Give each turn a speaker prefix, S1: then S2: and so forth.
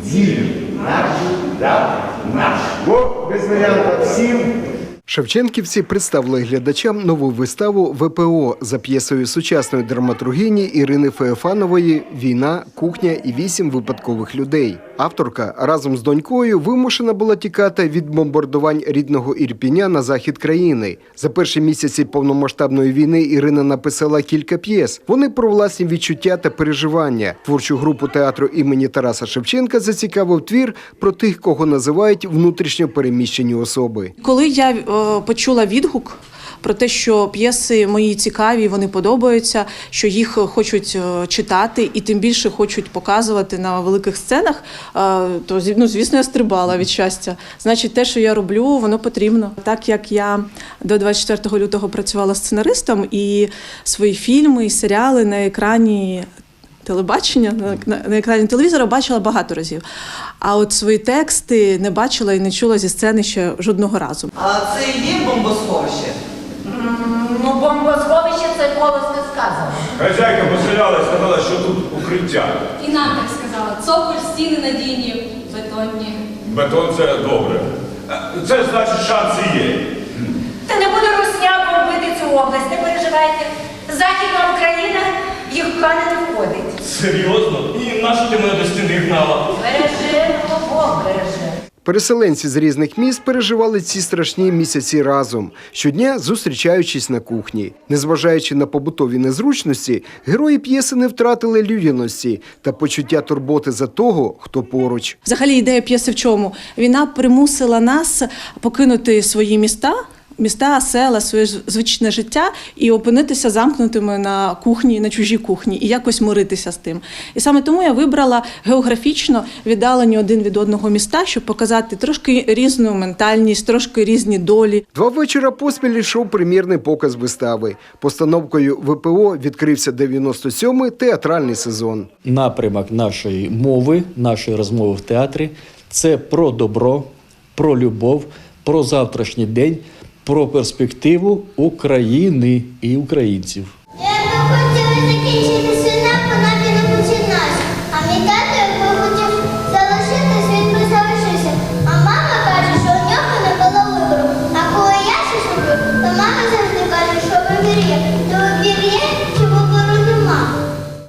S1: Вірю, наш. Бо без варіантів всім.
S2: Шевченківці представили глядачам нову виставу ВПО за п'єсою сучасної драматургині Ірини Феофанової «Війна, кухня і 8 випадкових людей». Авторка разом з донькою вимушена була тікати від бомбардувань рідного Ірпіня на захід країни. За перші місяці повномасштабної війни Ірина написала кілька п'єс. Вони про власні відчуття та переживання. Творчу групу театру імені Тараса Шевченка зацікавив твір про тих, кого називають внутрішньо переміщені особи.
S3: Коли я почула відгук про те, що п'єси мої цікаві, вони подобаються, що їх хочуть читати і тим більше хочуть показувати на великих сценах, то, звісно, я стрибала від щастя. Значить, те, що я роблю, воно потрібно. Так як я до 24 лютого працювала сценаристом, і свої фільми, і серіали на екрані телебачення, на екрані телевізора бачила багато разів. А от свої тексти не бачила і не чула зі сцени ще жодного разу.
S4: А це і є бомбосховище?
S5: Ну, бомбосховище – це голосно сказано.
S6: Хазяйка поселяла і сказала, що тут укриття.
S7: І нам так сказала. Цоколь, стіни надійні, бетонні.
S6: Бетон – це добре. Це значить, шанси є.
S5: Та не буде русня бомбити цю область, не переживайте. Західна Україна їх в плани не входить.
S6: Серйозно? І нащо ти мене до стіни гнала?
S5: Береже, Бог береже.
S2: Переселенці з різних міст переживали ці страшні місяці разом, щодня зустрічаючись на кухні. Незважаючи на побутові незручності, герої п'єси не втратили людяності та почуття турботи за того, хто поруч.
S3: Взагалі ідея п'єси в чому? Війна примусила нас покинути свої міста, села, своє звичне життя і опинитися замкнутими на кухні, на чужій кухні і якось миритися з тим. І саме тому я вибрала географічно віддалені один від одного міста, щоб показати трошки різну ментальність, трошки різні долі.
S2: 2 вечора поспіль йшов прем'єрний показ вистави. Постановкою ВПО відкрився 97-й театральний сезон.
S8: Напрямок нашої мови, нашої розмови в театрі – це про добро, про любов, про завтрашній день, про перспективу України і українців.
S9: Я б хотіла закінчити